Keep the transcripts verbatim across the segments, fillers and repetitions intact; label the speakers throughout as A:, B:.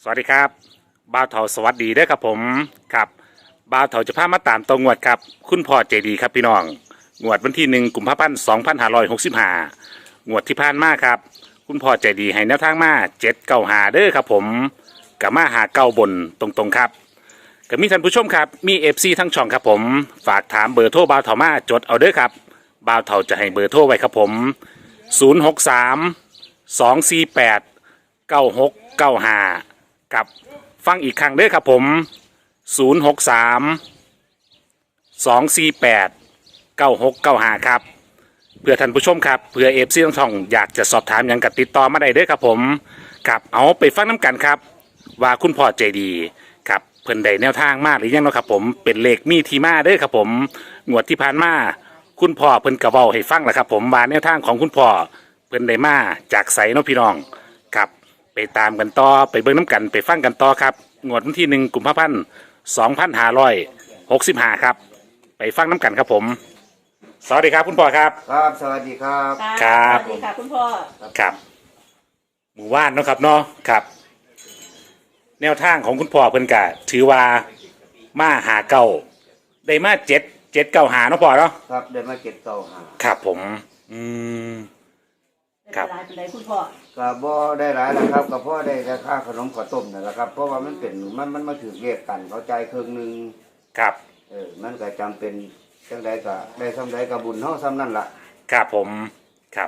A: สวัสดีครับบ่าวเถาสวัสดีเด้อครับผมครับบ่าวเถาจะพามาตามตรงวดครับคุณพ่อใจดีครับพี่น้องงวดวันที่หนึ่งกุมภาพันธ์สองพันห้าร้อยหกสิบห้างวดที่ผ่านมาครับคุณพ่อใจดีให้แนวทางมาเจ็ดเก้าหาเด้อครับผมกับมาหาเก้าบนตรงๆครับก็มีท่านผู้ชมครับมีเอฟซีทั้งช่องครับผมฝากถามเบอร์โทรบ่าวเถามาจดเอาเด้อครับบ่าวเถาจะให้เบอร์โทรไว้ครับผมศูนย์หกสามสองสี่แปดเก้าหกเก้าห้ากับฟังอีกครั้งเด้อครับผมศูนย์หกสามสองสี่แปดเก้าหกเก้าห้าครับเพื่อท่านผู้ชมครับเพื่อเอฟซีทั้งช่องอยากจะสอบถามอย่างกับติดต่อมาได้เด้อครับผมครับเอาไปฟังน้ำกันครับว่าคุณพ่อใจดีครับเพิ่นได้แนวทางมาหรือยังเนาะครับผมเป็นเลขมีที่มาเด้อครับผมงวดที่ผ่านมาคุณพ่อเพิ่นกระเว้าให้ฟังแหละครับผมว่าแนวทางของคุณพ่อเพิ่นได้มาจากไสเนาะพี่น้องครับไปตามกันต่อไปเบิ่งน้ำกันไปฟังกันต่อครับงวดวันที่หนึ่งกุมภาพันธ์สองพันห้าร้อยหกสิบห้าครับไปฟังน้ำกันครับผมสวัสดีครับคุณพ่อครับ
B: ครับสวัสดีครับ
A: ครับ
C: สวัสดีค่ะคุณพ่อ
A: ครับหมู่บ้านเนาะครับเนาะครับ แนวทางของคุณพ่อเพิ่นกะถือว่ามาหาเก่าได้มาเจ็ดเจ็ดเก่าหาเนาะพ่อเนาะ
B: ครับได้มาเก็บเก่าหา
A: ครับผมอืมครับ
C: ได้เป็นไรคุณพ่อ
B: ก็บ่ได้หลายนะครับก็เพราะได้ราคาขนมข้าวต้มนั่นแหละครับเพราะว่ามันเป็นมันมันมาถือเรียกกันเขาใจครึ่งหนึ่ง
A: ครับ
B: เออมันก็จำเป็นจังใดก็ได้ซ้ำใดก็บุญเฮาซ้ำนั่นล่ะ
A: ครับผมครับ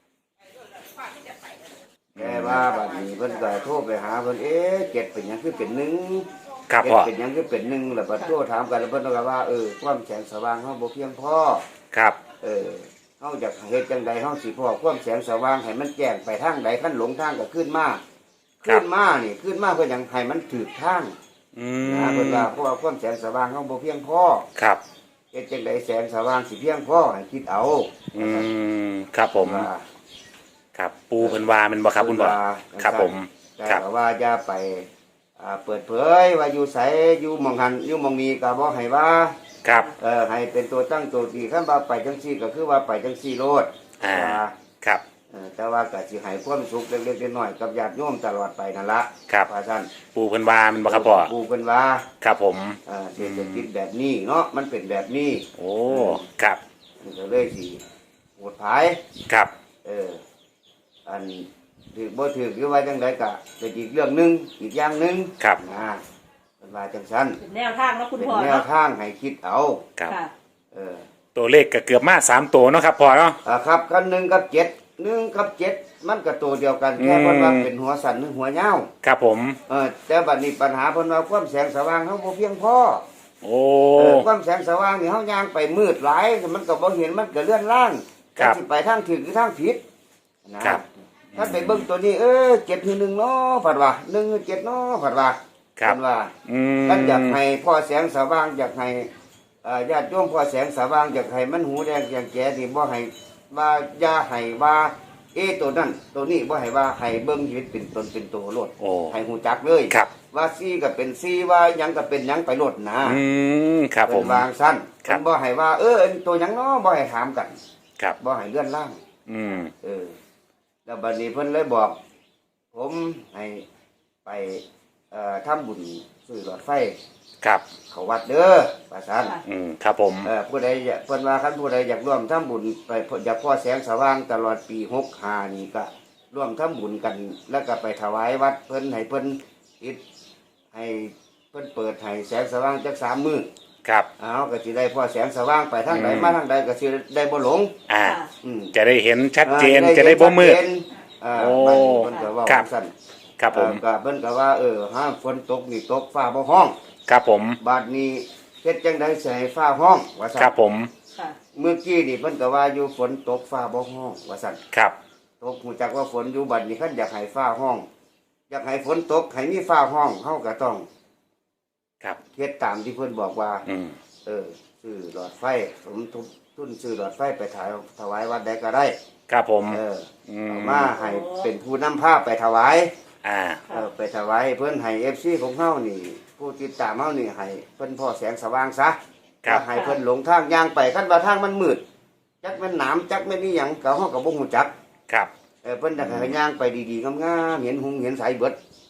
B: แต่ว่าบัดนี้เพิ่นก็โทรไปหาเพิ่นเอ๊ะเจ็ดเป็นหยังคือเป็นหนึ่ง
A: ครับ
B: เจ็ด
A: พ่อ
B: เป็นหยังคือเป็นหนึ่งแล้วบัดโทรถามกันแล้วเพิ่นก็ว่าเออความแสงสว่างเฮาบ่เพียงพอ
A: ครับ
B: เออเฮาอยากเฮ็ดจังใดเฮาสิพอความแสงสว่างให้มันแจ้งไปทางใดคันหลงทางก็ขึ้นมาขึ้นมานี่ขึ้นมาเพื่อหยังให้มันถูกทาง
A: อืม
B: นะเพิ่นว่าเพราะว่าความแสงสว่างเฮาบ่เพียงพอ
A: ครับ
B: เฮ็ดจังใดแสงสว่างสิเพียงพอให้คิดเอา
A: อืมครับผมครับปูเพิ่นว่ามันบ่ครับคุณพ่อครับผม
B: ครับว่าอย่าไปอ่าเปิดเผยว่าอยู่ไสอยู่หม่องหันอยู่หม่องนี้ก็บ่ให้ว่า
A: ครับ
B: เออให้เป็นตัวตั้งตัวตีคันว่าไปจังซี่ก็คือว่าไปจังซี่โลด
A: อ่าครับ
B: เออแต่ว่าก็สิให้ความสุขเล็กๆน้อยๆกับญาติโยมตลอดไปนั่นละ
A: ครับ
B: ว่าซั่น
A: ปูเพิ่นว่ามันบ่ครับพ่อ
B: ปูเพิ่นว่า
A: ครับผม
B: เออเศรษฐกิจแบบนี้เนาะมันเป็นแบบนี้
A: โอ้ครับ
B: มันก็เลยสิโหดผาย
A: ครับ
B: เอออันถือบ่ถือคือว่าจังไดก็เป็นอีกเรื่องหนึงอีกอย่างหนึง
A: ครับ
B: นะเพิ่นว่าจังซั่น
C: เป็นแนวทางแล้วคุณพ่อ
B: เป็นแนวทางให้คิดเอา
A: ครับ
B: เออ
A: ตัวเลขก็เกือบมาสามตัวเนาะครับพ่อเนาะ
B: อ่าครับกันหนึ่งกับเจ็ดหนึ่งกับเจ็ดมันก็ตัวเดียวกันแค่เพิ่นว่าเป็นหัวสันหรือหัวยาว
A: ครับผม
B: เออแต่บัดนี้ปัญหาเพิ่นว่าความแสงสว่างเฮาบ่เพียงพอ
A: โอ้
B: ความแสงสว่างนี่เฮาย่างไปมืดหลายมันก็บ่เห็นมันก็เลื่อนล่าง
A: ครับ
B: สิไปทางถูกหรือทางผิดนะครับถ้าไปเบิ่งตัวนี้เออเจ็ดคือหนึ่งเนาะผัดว่าหนึ่งคือเจ็ดเนาะผัดว่า
A: เพิ่
B: นว่า
A: อืม
B: ท่านอยากให้พ่อแสงสว่างอยากให้อ่าญาติโยมพ่อแสงสว่างอยากให้มันหูแดงอย่างแก่นี่บ่ให้ว่าอย่าให้ว่าเอตัวนั้นตัวนี้บ่ให้ว่าให้เบิ่งชีวิตเป็นตนเป็นตัวโลดให้หูจักเลยว่าซีก็เป็นซีว่าหยังก็เป็นหยังไปโลดนะ
A: อืมครับผม
B: วางสั้นบ่ให้ว่าเออตัวหยังเนาะบ่ให้ถามกัน
A: ครับ
B: บ่ให้เลื่อนล่าง
A: อืม
B: เออแล้วบัดนี้เพิ่นเลยบอกผมให้ไปเอ่อทำบุญซื้อหลอดไฟ
A: ครับ
B: เขาวัดเด้อว่าซั่น
A: อืมครับผม
B: เออผู้ใดเพิ่นว่าคันผู้ใดอยากร่วมทำบุญไปอยากพ่อแสงสว่างตลอดปีหกสิบห้านี่ก็ร่วมทำบุญกันแล้วก็ไปถวายวัดเพิ่นให้เพิ่นติดให้เพิ่นเปิดให้แสงสว่างจักสามมื้อ
A: ครับ
B: อ้าวก็สิได้พ่อแสงสว่างไปทางใดมาทางใดก็สิได้บ่หลง
A: อ่า
B: อืม
A: จะได้เห็นชัดเจนจะได้บ่มืด
B: อ่าเพิ่นก็ว่าซั่น
A: ครับผม
B: ก็เพิ่นก็ว่าเออห้ามฝนตกนี่ตกฟ้าบ่ห้อง
A: ครับผม
B: บาดนี้เฮ็ดจังได๋สิให้ฟ้าห้องว่าซั่น
A: ครับผม
B: เมื่อกี้นี่เพิ่นก็ว่าอยู่ฝนตกฟ้าบ่ห้องว่าซั่น
A: ครับ
B: ตกฮู้จักว่าฝนอยู่บัดนี้คันอยากให้ฟ้าห้องอยากให้ฝนตกให้มีฟ้าห้องเฮาก็ต้อง
A: ครับ
B: เฮ็ดตามที่เพิ่นบอกว่า
A: อืม
B: เออซื้อหลอดไฟสมทบทุนซื้อหลอดไฟไปถายถวายวัดใดก็ได้
A: ครับผม
B: เออเอามาให้เป็นผู้นำภาพไปถวาย
A: อ่า
B: เออไปถวายเพิ่นให้ เอฟ ซี ของเฮานี่ผู้ติดตามเฮานี่ให้เพิ่นพ่อแสงสว่างซะก็ให้เพิ่นหลงทางย่างไปคันว่าทางมันมืดจักมันหนามจักมันนี่หยังก็เฮาก็บ่ฮู้จัก
A: ครับ
B: เออเพิ่นอยากให้ย่างไปดีๆงามๆเห็นหุงเห็นสายเบิด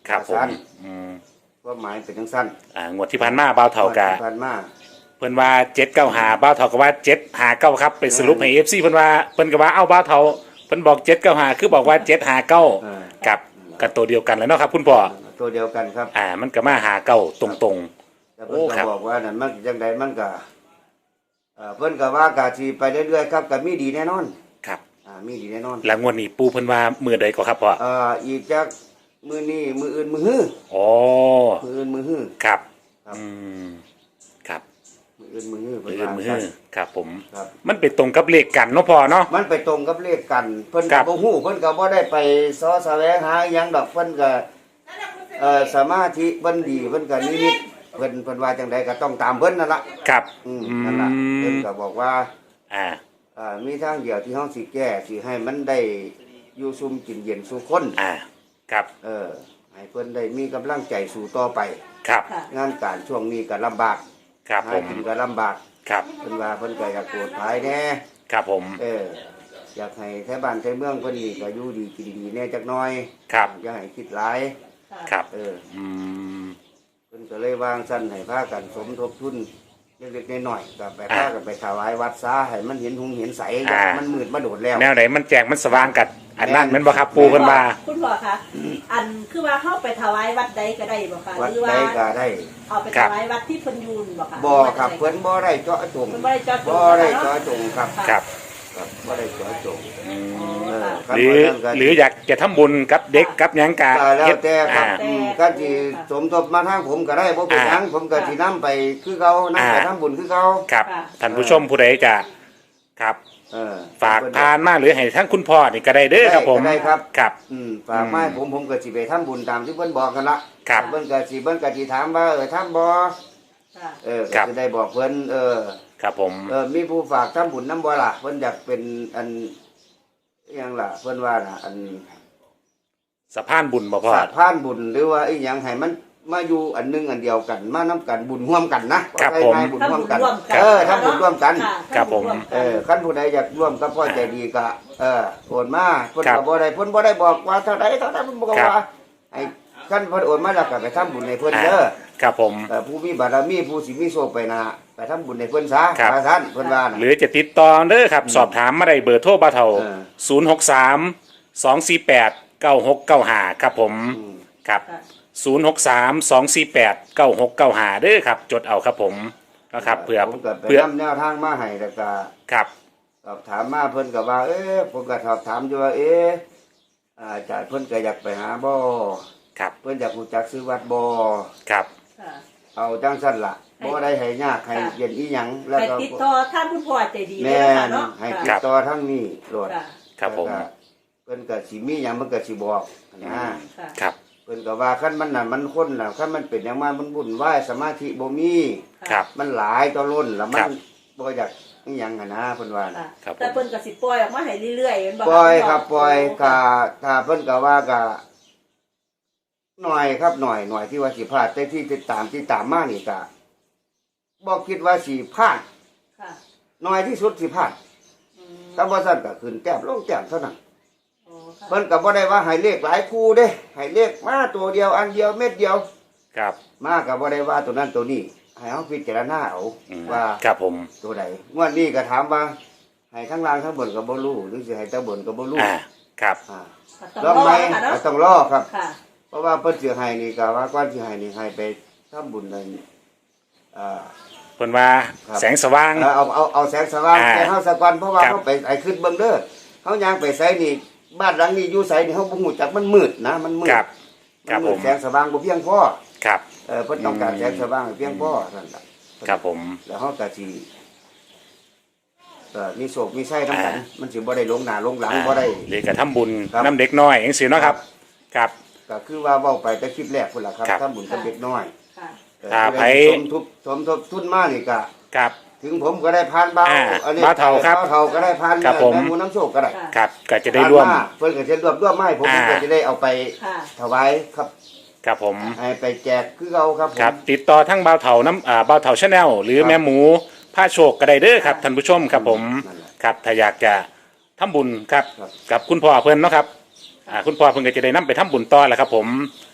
A: ครับผม
B: สั้น
A: อืม
B: ว่าหมายเป็นจังสั้น
A: อ่างวดที่ผ่านมาบ่าวเฒ่ากะ
B: ผ่านมา
A: เพิ่นว่าเจ็ดเก้าหาบ่าวเฒ่าก็ว่าเจ็ดหาเก้าครับไปสรุปให้เอฟซีเพิ่นว่าเพิ่นก็ว่าเอ้าบ่าวเฒ่าเพิ่นบอกเจ็ดเก้าหาคือบอกว่าเจ็ดหาเก้า
B: เออ
A: กับกันตัวเดียวกันแล้วเนาะครับคุณพ่อ
B: ตัวเดียวกันครับ
A: อ่ามันก็มาหาเก้าตรง
B: แต่เพิ่น
A: โอ้
B: ก็
A: ครับ
B: บอกว่านั่นมันจังใดมันก็เอ่อเพิ่นก็ว่ากะสิไปเรื่อยๆครับก็มีดีแน่นอน
A: ๆครับ
B: อ่ามีดีแน่นอน
A: แล้วงวดนี้ปูเพิ่นว่ามือใดก็ครับพ่อ
B: เอ่ออีกจักมือนี้มืออื่นมือฮื้อ
A: อ๋อ
B: มืออื่นมือฮื้อ
A: ครับ
B: ครับ
A: อืมครับ
B: มืออื่นมือฮื้อ
A: มื
B: เพิ่
A: อน อื่น
B: ว่า
A: มือ
B: ซั่น
A: ครับผม
B: ครับ
A: มันไปตรงกับเลขกันเนาะพ่อเนาะ
B: มันไปตรงกับเลขกันเพิ่น
A: ครั
B: ก็
A: บ
B: บ่ฮู้เพิ่นก็บ่ได้ไปซ้อแสวงหาหยังดอกเพิ่นก็เอ่อสมาธิเพิ่นดีเพิ่นก็นิมิตเพิ่นเพิ่นว่าจังใดก็ต้องตามเพิ่นนั่นล่ะ
A: ครับ
B: อืม
A: อื
B: นั่นล่ะเพิ่น
A: ม
B: ก็บอกว่า
A: อ่า
B: เอ่อมีทางเดียวที่เฮาสิแก้สิให้มันได้อยู่ซุ่มกินเย็นสู่คน
A: อ่าครับ
B: เออให้เพิ่นได้มีกำลังใจสู่ต่อไป
A: ครับ
C: ค่ะ
B: งานการช่วงนี้ก็ลำบาก
A: ครับ
B: หา
A: ผม
B: กินก็ลำบาก
A: ครับ
B: เพิ่นว่าเพิ่นก็อยากโกรธภายแน่
A: ครับผม
B: เอออยากให้แท้บ้านแท้เมืองเพิ่นนี่ก็อยู่ดีกินดีแน่จักหน่อย
A: ครับ
B: อย่าให้คิดหลาย
C: ค่ะ
A: ครับ
B: เออ
A: อืม
B: เพิ่นก็เลยวางสั้นให้พากันสมทบทุนเล็กๆน้อยๆก็ไป
A: อ่า
B: พากันไปถวายวัดซาให้มันเห็นหุงเห็นใส
A: อ่า
B: มันมืดมาโดดแล้ว
A: แนวไหนมันแจงมันสว่างกัดอันนั้นแมันบ่ครับปูเพิ่นว่า
C: คุณพ่อคะอันคือว่าเข้าไปถวายวัดใดก็ได้บ่คะ
B: วัด
C: หรือ
B: ใด
C: ว่า
B: ก็ได้
C: เอาไปถวายวัดที่เพิ่นอยูนบ่คะ
B: บ่ครับเพิ่นบ่ได้เจาะจง
C: เพิ่นบ่ได้เจาะจง
B: บ่ได้เจาะจงครับ
A: ครับ
B: ครับบ่ได้เจาะจง
C: อ๋อ
B: เออ
C: ค่ะ
B: ครับ
A: หรือ
B: ว่าท่านก็
A: หรืออยากจะทำบุญกับเด็กกับหยังกะ
B: ก็แล้วแต่ครับ
A: อ่า
B: อืมก็สิสมทบมาทางผมก็ได้บ่เป็นหยังผมก็สินํไปคือเขานํไป
A: อ่า
B: ทำบุญคือเขา
A: ครับท่านผู้ชมผู้ใดจะครับ
B: เออ
A: ฝากทานมาหรือให้ทั้งคุณพ่อนี่ก็ได้เด้อครับผม
B: ได้ได้ครับ
A: ครับ
B: อืมฝากมาให้ผมผมก็สิไปทำบุญตามที่เพิ่นบอกกันละ
A: ครับ
B: เพิ่นก็สิเพิ่นก็สิถามว่าเออทำบ่
C: ค่ะ
B: เออ
A: ครั
B: ก็
A: บ
B: จะได้บอกเพิ่นเออ
A: ครับผม
B: เออมีผู้ฝากทำบุญนํบ่ล่ะเพิ่นอยากเป็นอันอิหยังล่ะเพิ่นว่าน่ะอัน
A: สะพานบุญบ่พ่อ
B: สาดพานบุญหรือว่าอีหยังให้มันมาอยู่อันหนึงอันเดียวกัน มานํกันบุญร่วมกันนะครับ
A: ผม
B: ว่าง่ายๆบุญร่วมกัน
C: ทำบุญร่วมกัน
B: เออทำบุญร่วมกัน
C: ค่ะ
A: ครับผม
C: ทำญวกัน
B: เออคันผู้ใดอยากร่วมกับพ่อใจดีก็เออโอนมาเพิ่น
A: ครั
B: ก็
A: บ
B: บ่ได้เพิ่นบ่ได้บอกว่าเท่าใดเท่านั้นเพิ่นบอก
A: ครับ
B: ว่าให้คันเพิ่นโอนมาแล้วก็ไปทำบุญให้เพิ่นเด้อ
A: ครับผม
B: เออผู้มีบารมีผู้สิมีโชคไปหนาไปทำบุญให้เพิ่นซะ
A: ครับ
B: ว่าซั่นเพิ่นว่าน่ะ
A: หรือจะติดต่อเด้อครับ สอบถามมาได้เบอร์โทรบ่าวเฒ่า
B: เออ
A: ศูนย์หกสาม สองสี่แปด เก้าหกเก้าห้าครับผม
B: อืม
A: ครับ
C: ค่ะ
A: ศูนย์หกสาม สองสี่แปด เก้าหกเก้าห้าเด้อครับ จดเอาครับผมนะครับเพื่อ
B: ผมก็ไป
A: เพื่อน
B: ำแนวทางมาให้แล้วก็
A: ครับ
B: สอบถามมาเพิ่นก็ว่า เอ๊ะผมก็สอบถามอยู่ว่าเอ๊ะอาจารย์เพิ่นก็อยากไปหาบ่
A: ครับ
B: เพิ่นอยากรู้จักซื้อวัดบ่
A: ครับ
C: ค่ะ
B: เอาจังซั่นล่ะบ่ได้ให้ยากให้
C: ค่ะ
B: เย็นอีหยังแล้ว
C: ให้
B: ก็
C: ติดต่อท่านคุณพ่อใจดีเลย
B: แม่
C: นะคะ
B: น
C: เนาะ
B: ให้
C: ค่ะ
B: ติดต่อทางนี้โลด
C: ค่ะ
A: ครับผม
B: แล้วก็เพิ่นก็สิมีหยังมันก็สิบอกนะ
C: ค่ะ
A: ครับ
B: เพิ่นก็ว่าคันมันน่ะมันคนน่ะคันมันเป็นอย่างมามันวุ่นวายสมาธิบ่มี
A: ครับ
B: มันหลายต่อล้นแล้วมั
A: ครั
B: น
A: บ
B: บ่อยากอีหยังหันนะเพิ่นว่า
C: ค่ะ
A: ครับผม
C: แต่เพิ่นก็สิปล่อยออกมาให้เรื่อยๆแม่นบ่
B: ปล่อยครับ
C: ณ
B: ปล่อย
C: โ
B: กะถ้าเพิ่นก็ว่าก็หน่อยครับหน่อยหน่อยที่ว่าสิพลาดแต่ที่ติดตามที่ตามมานี่ก็บ่คิดว่าสิพลาด
C: ค่ะ
B: น้อยที่สุดสิพลาด
C: อืม
B: ถ้าบ่ซั่นก็ขึ้นแต้มลงแต้มเท่านั้น
C: โอ้ค่ะ
B: เพิ่นก็บ่ได้ว่าให้เลขหลายคู่เด้ให้เลขมาตัวเดียวอันเดียวเม็ดเดียว
A: ครับ
B: มาก็บ่ได้ว่าตัวนั้นตัวนี้ให้เฮาพิจารณาเอา
A: อืม
B: ว่า
A: ครับผม
B: ตัวใดงวดนี้ก็ถามว่าให้ทั้งล่างทั้งบนก็บ่รู้หรือสิให้แต่บนก็บ่รู้
A: อ่าครับ
B: อ่า
C: ต้
B: ล
C: อ
B: อง ง
C: ร
B: ไหม
C: อค่ะเนาะ
B: ก็ต้องรอครับ
C: ค่ะ
B: เพราะว่าเพิ่นสิให้นี่ก็ว่าก่อนสิให้นี่ให้ไปทำบุญนั่นอ่า
A: เพิ่นว่า
B: ครับ
A: แสงสว่าง
B: เอาเอาเอาเอาแสงสว่าง
A: อ่า
B: แก่เฮาสักวันเพราะว่า
A: ครับ
B: เฮาไปไอ้ขึ้นเบิ่งเด้อเฮาย่างไปไสนี่บ้านหลังนี้อยู่ไสนี่เฮาบ่ฮู้จักมันมืดนะมันมืด
A: ครับครับ
B: มันมื
A: ผ
B: ด
A: ม
B: แสงสว่างบ่เพียงพอ
A: ครับ
B: เออเพิ่นต้องการแสงสว่างให้เพียงพอนั่นล่ะ
A: ครับผม
B: แล้วเฮาก็สิเอ่อมีโศกมีไส้ทั้งกัน
A: อ่า
B: มันสิบ่ได้ลงหน้าลงหลัง
A: อ่า
B: บ่ได้
A: หรือก็ทำบุญ
B: ครับ
A: น้ำเด็กน้อยจังซี่เนาะครับ ครับ
B: ก็คือว่าเว้าไปแต่คลิปแรกพุ่นล่ะครับ
A: ครับ
B: ทำบุญกับเด็กน้อย
C: ค่ะ
B: เอ่อ
A: ถ้าไผ
B: สมทบสมทบทุนมานี่ก็
A: ครับ
B: ถึงผมก็ได้พานเบา
A: อ่า
B: อันนี้
A: เบาเฒ่าครับ
B: เบาเฒ่าก็ได้พาน
A: ครับผม
B: แม่หมูน้ำโชคก็ได้
C: ค่ะ
A: ครับก็จะได้ร่วม
B: พานมาเพิ่นก็จะรวบรวมมาให้ผม
A: อ่า
B: ก็จะได้เอาไป
C: ค่ะ
B: ถวายครับ
A: ครับผม
B: ให้ไปแจกคือเอาครับผม
A: ครับติดต่อทั้งบ่าวเถาน้ำอ่าบ่าวเถาชาแนลหรือ
B: ครับ
A: แม่หมูผ้าโชคก็ได้เด้อครับท่านผู้ชมครับผม
B: นั่นแหละ
A: ครับถ้าอยากจะทำบุญครับ
B: ครับ
A: กับคุณพ่อเพิ่นเนาะครับอ่าคุณพ่อเพิ่นก็จะได้นํไปทำบุญต่อแหละครับผม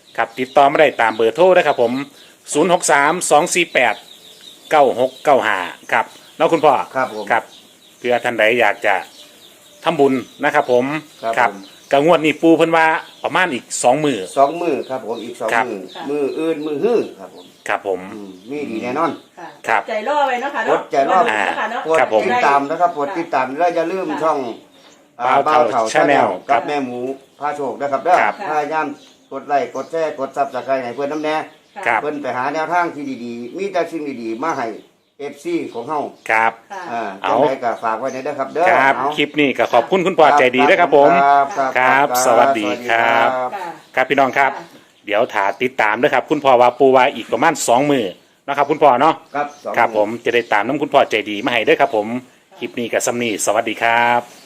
A: ครับติดต่อมาได้ตามเบอร์โทรนะครับผมศูนย์หกสามสองสี่แปดเก้าหกเก้าห้าครับแล้วคุณพ่อ
B: ครับผม
A: ครับเพื่อท่านใดอยากจะทำบุญนะครับผม
B: ครับผม
A: กงวดนี้ปูเพิ่นว่าประมาณอีกสองมือ
B: สองมือครับผมอีกสอง
A: ครับ
B: มือมืออื่นมือฮื้อครับผม
A: ครับผม
B: อืมมีดีแน่นอน
C: ค่ะ
A: ครับ
C: ใจรอไว้เนาะค่ะเนาะ
B: อดใจรอ
C: วันนี้เนาะค่ะเนาะ
B: กด
A: ครับผม
B: ติดตามนะครับกดติดตามแล้วอย่าลืมช่องอ่า
A: บ่าวเฒ่า
B: ชาแนล
A: Channel ครั
B: กับ บแม่หมูพาโชคนะครับเด้อ
A: ครับ
B: พยายามกดไลค์กดแชร์กดซับสไครต์ให้เพื่อนน้ำแน่
A: ครับ
B: เพื่อนไปหาแนวทางที่ดีๆ มีแต่สิ่งดีๆมาให้เอฟซีของเฮา
A: ครับ
C: ค่ะ
B: อ่า
A: เอา
B: จังไดก็ฝากไว้ในเด้อครับเด้อ
A: ครับ
B: เอา
A: คลิปนี้ก็ขอบคุณคุณพ่อใจดีนะครับผม
B: ครับครับ
A: ครับสวัสดีครับ
C: ค่ะ
A: ครับพี่น้องครับ เดี๋ยวถาติดตามด้วยครับ คุณพ่อว่าปูว่าอีกประมาณสองมือนะครับ คุณพ่อเนาะ
B: ครับสอง
A: ครับผมจะได้ตามน้ำคุณพ่อใจดีมาให้ด้วยครับผมคลิปนี้กับซัมนี่สวัสดีครับ